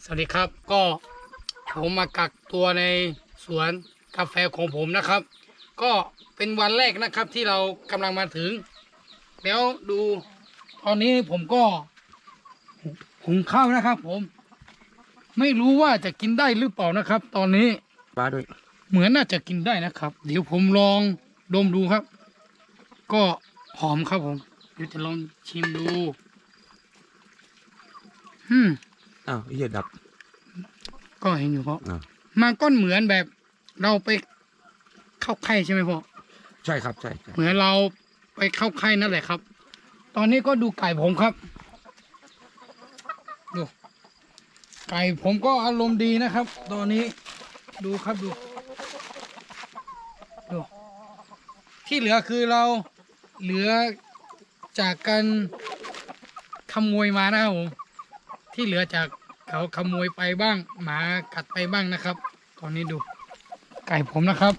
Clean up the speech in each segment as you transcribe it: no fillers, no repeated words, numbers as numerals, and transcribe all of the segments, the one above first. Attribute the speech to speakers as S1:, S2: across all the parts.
S1: สวัสดีครับก็ผมมากักตัวในสวนกาแฟของผมนะครับก็เป็นวันแรกนะครับที่เรากำลังมาถึงแล้วดูตอนนี้ผมก็หุงข้าวนะครับผมไม่รู้ว่าจะกินได้หรือเปล่านะครับตอนนี้
S2: ปลาด้วย
S1: เหมือนน่าจะกินได้นะครับเดี๋ยวผมลองดมดูครับก็หอมครับผมเดี๋ยวจะลองชิมดู
S2: อ้าวเหี้ยดับ
S1: ก็เห็นอยู่เพราะ
S2: อ้าว
S1: มันก็เหมือนแบบเราไปเข้าไข้ใช่ไหมพ่อ
S2: ใช่ครับใช่
S1: เหมือนเราไปเข้าไข้นั่นแหละครับ ตอนนี้ก็ดูไก่ผมครับดูไก่ผมก็อารมณ์ดีนะครับ ตอนนี้ดูครับดูที่เหลือคือเราเหลือจากการขโมยมานะครับผมที่เหลือจากเขาขโมยไปบ้างหมากัดไปบ้างนะครับ ตอนนี้ดูไก่ผมนะครับ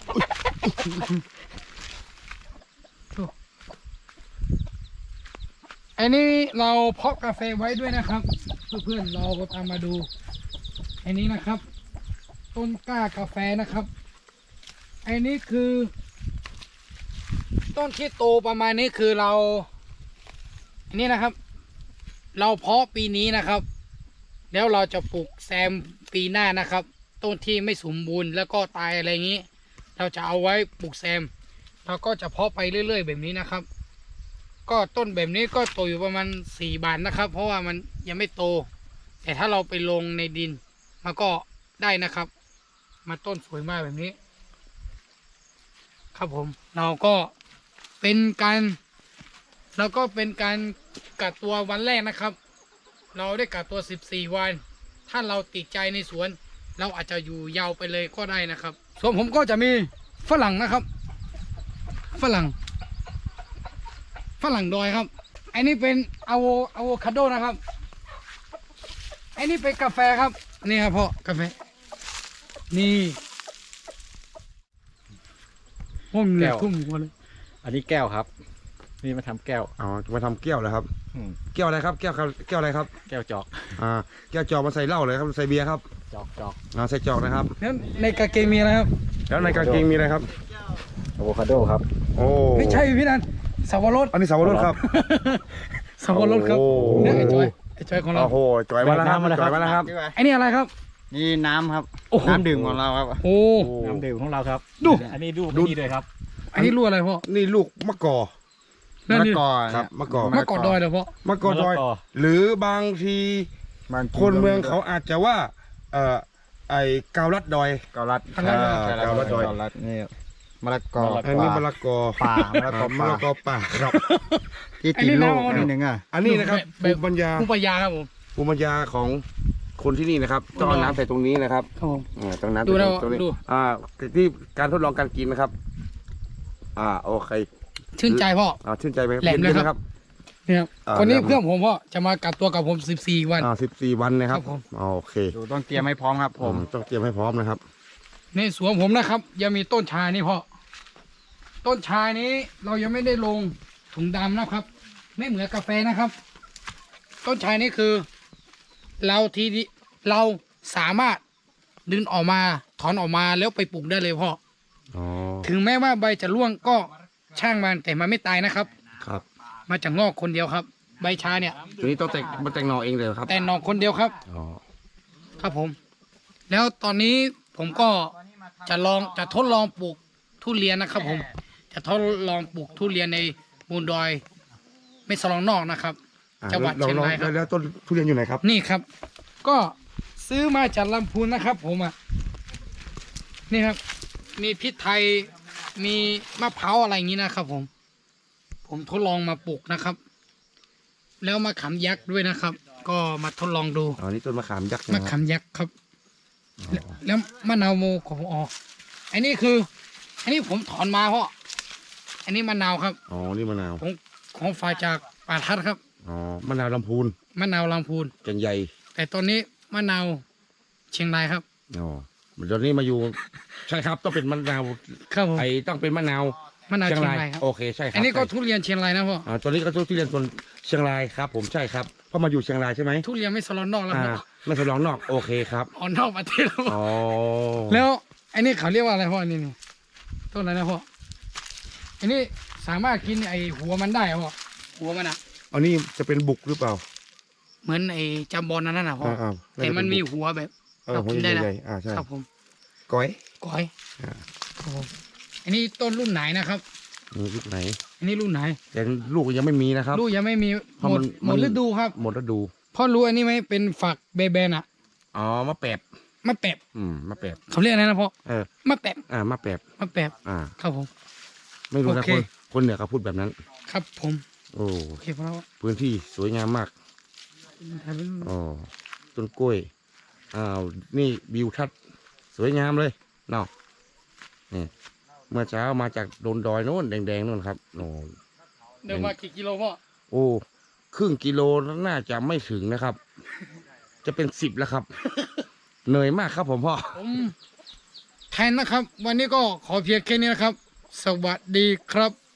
S1: ดูอันนี้เราเพาะกาแฟไว้ด้วยนะครับเพื่อนๆเราตามมาดูอันนี้นะครับ ต้นกล้ากาแฟนะครับอันนี้คือต้นที่โตประมาณนี้คือเราอันนี้นะครับ เราเพาะปีนี้นะครับแล้วเราจะปลูกแซมปีหน้านะครับต้นที่ไม่สมบูรณ์แล้วก็ตายอะไรอย่างนี้เราจะเอาไว้ปลูกแซมเราก็จะเพาะไปเรื่อยๆแบบนี้นะครับก็ต้นแบบนี้ก็โตอยู่ประมาณ4 บาทนะครับ เพราะว่ามันยังไม่โตแต่ถ้าเราไปลงในดินมันก็ได้นะครับมาต้นสวยมากแบบนี้ครับผมเราก็เป็นการกักตัววันแรกนะครับเราได้กักตัว14 วันถ้าเราติดใจในสวนเราอาจจะอยู่ยาวไปเลยก็ได้นะครับส่วนผมก็จะมีฝรั่งนะครับฝรั่งดอยครับอันนี้เป็นอะโวคาโดนะครับอันนี้เป็นกาแฟครับนี่ครับพ่อกาแฟนี่ห้องเหนือทุ่มหัวเลย
S3: อันนี้แก้วครับ นี่มาทำแก้ว
S2: อ๋อมาทำแก้วเลยครับ
S3: อืม
S2: แก้วอะไรครับแก้วอะไรครับ
S3: แก้วจอก
S2: แก้วจอกมาใส่เหล้าเลยครับใส่เบียร์ครับ
S3: จอก
S2: ใส่จอกนะครับ
S1: แล้วในกางเกงมีอะไรครับ
S2: แล้วในกางเกงมีอะไรครับ
S3: อะโวคาโดครับ
S2: โอ้
S1: ไม่ใช่พี่นันสับปะรด
S2: อันนี้สาวรสครับ
S1: สับปะรดครับ
S2: โอ้
S1: เนี่ยไอ้จอยของเรา
S2: โอ้โหจอยมาแล้วครับจอยมาแล้วครับ
S1: ไอ้นี่อะไรครับ
S3: นี่น้ำครับ
S1: โอ้โห
S3: น้ำดื่มของเราครับ
S1: โอ้
S3: น้ำดื่มของเราครับ
S1: ดู
S3: อันนี้ดู
S2: ดู
S3: นี่เลยครับ
S1: อันนี้รู้อะไรพ่อ
S2: นี่ลูกมะกอ
S1: นั่นนี่
S2: ครับมะกอ
S1: มะกอดดอยเหรอพ่อ
S2: มะกอดอย หรือบางทีคนเมืองเขาอาจจะว่าไอ้เกาลัดดอย
S3: เกาลัด
S2: เกาลัดดอย
S3: เกาลัดนี่มะละกอ
S2: อันนี้มะละกอ
S3: ป่ามะละกอ
S2: มะละกอป่าครับ
S3: ที่ติดลูกนิดนึงอ่ะ
S2: อันนี้นะครับภูมิปัญญา
S1: ภูมิปัญญาครับผม
S2: ภูมิปัญญาของคนที่นี่นะครับต้องเอาน้ำใส่ตรงนี้นะครับ
S1: ครับผม
S2: ต้องน้ำ
S1: ดู
S2: ใส่
S1: แล้ว
S2: ตรงนี้
S1: ดู
S2: ที่การทดลองการกินนะครับโอเค
S1: ชื่นใจพ่อ
S2: ชื่นใจไหม
S1: แหลมเลยครับ นี่ครับ คนนี้
S2: แล้ว
S1: เพื่อนผมพ่อจะมากักตัวกับผม14 วัน
S2: 14 วันนะครับ
S1: ครับผม
S2: โอเค
S3: ดูต้องเตรียมให้พร้อมครับ ผม
S2: ต้องเตรียมให้พร้อมนะครับ
S1: ในสวนผมนะครับยังมีต้นชานี่พ่อต้นชานี้เรายังไม่ได้ลงถุงดำนะครับ ไม่เหมือนกาแฟนะครับ ต้นชานี่คือ เราสามารถดึงออกมาถอนออกมาแล้วไปปลูกได้เลยพ่อ
S2: อ๋อ
S1: ถึงแม้ว่าใบจะร่วงก็ช่างมันแต่มันไม่ตายนะครับ
S2: ครับ
S1: มาจากงอกคนเดียวครับ ใบชาเนี่ย
S2: ตัวนี้ต้องแต่งหน่อเองเลยครับ
S1: แต่หนอกคนเดียวครับ
S2: อ๋อ
S1: ครับผม แล้วตอนนี้ผมก็จะทดลองปลูกทุเรียนนะครับ ผมจะทดลองปลูกทุเรียนในมูลดอยไม่สลองนอกนะครับ จังหวัดเชียงรายครับ
S2: แล้วต้นทุเรียนอยู่ไหนครับ
S1: นี่ครับ ก็ซื้อมาจากลำพูนนะครับ ผมนี่ครับ มีพริกไทยมีมะพร้าวอะไรอย่างนี้นะครับ ผมทดลองมาปลูกนะครับ แล้วมะขามยักษ์ด้วยนะครับ ก็มาทดลองดู
S2: นี่ต้นมะขามยักษ์
S1: มะขามยักษ์ครับ แล้วมะนาวโมของอันนี้คือ อันนี้ผมถอนมาเพราะอันนี้มะนาวครับ
S2: นี่มะนาว
S1: ของฝ่ายจากป่าทัดครับ
S2: มะนาวลำพูน
S1: มะนาวลำพูน
S2: แก่นใหญ่
S1: แต่ตอนนี้มะนาวเชียงรายครับ
S2: ตอนนี้มาอยู่ ใช่ครับต้องเป็นมะนาว
S1: ครับผม
S2: ต้องเป็นมะนาว
S1: มะนาว
S2: เชียง
S1: เชีย
S2: ราง ย
S1: รายครับ
S2: โอเคใช่ครับ
S1: อันนี้ก็ทุเรียนเชียงรายนะพ่อ
S2: ตัวนี้ก็ทุเรียนคนเชียงรายครับ ผมใช่ครับเพราะมาอยู่เชียงรายใช่ไหม
S1: ทุเรียนไม่สลอนนอกแล้ว
S2: อ่า
S1: เนาะ
S2: ไม่ทดลองนอกโอเคครับ
S1: ออกนอกประเทศแล้วพ่อ
S2: อ๋อ
S1: แล้วอันนี้เขาเรียกว่าอะไรพ่ออันนี้นี่ต้นอะไรนะพ่ออันนี้สามารถกินไอหัวมันได้เหรอพ่อหัวมันอ่ะ
S2: อันนี้จะเป็นบุกหรือเปล่า
S1: เหมือนไอจำบอลนั่นน่ะพ่อ
S2: อ่า
S1: แต่มันมีหัวแบบ
S2: หัว
S1: กินได้นะ
S2: ใหญ่ๆใช่
S1: ครับผม
S2: ก้อย
S1: ก้อย
S2: อ่า
S1: ครับผมอันนี้ต้นรุ่นไหนนะครับ
S2: นี่ลูกไหน
S1: อันนี้รุ่นไหน
S2: แต่ลูกยังไม่มีนะครับ
S1: ลูกยังไม่มี
S2: เพราะ
S1: หม
S2: มั
S1: ด
S2: น
S1: หมดฤดูครับ
S2: หมดฤดู
S1: พ่อรู้อันนี้ไหมเป็นฝักเบเบนอ่ะ
S2: อ๋อมะแปบ
S1: มะแปบ
S2: มะแปบ
S1: เขาเรียกอะไรนะพ่อ
S2: เออ
S1: มะแปบ
S2: มะแปบ
S1: มะแปบ
S2: อ่า
S1: ครับผม
S2: ไม่รู้นะ
S1: โอเค
S2: คนเหนือเขาพูดแบบนั้น
S1: ครับผม
S2: โอ้
S1: โอเคพ่อแล้ว
S2: พื้นที่สวยงามมาก
S1: ถ่ายเป็น
S2: อ๋อต้นกล้วยอ้าวนี่วิวทัศน์สวยงามเลยเนาะนี่เมื่อเช้ามาจากโดนดอยโน่นแดงๆโน่นครับโอ้
S1: เดินมากี่กิโลพ่อ
S2: โอ้ครึ่งกิโลน่าจะไม่ถึงนะครับ จะเป็น10แล้วครับ เหนื่อยมากครับผมพ่อ
S1: ผมแทนนะครับ วันนี้ก็ขอเพียงแค่นี้นะครับ สวัสดีครับ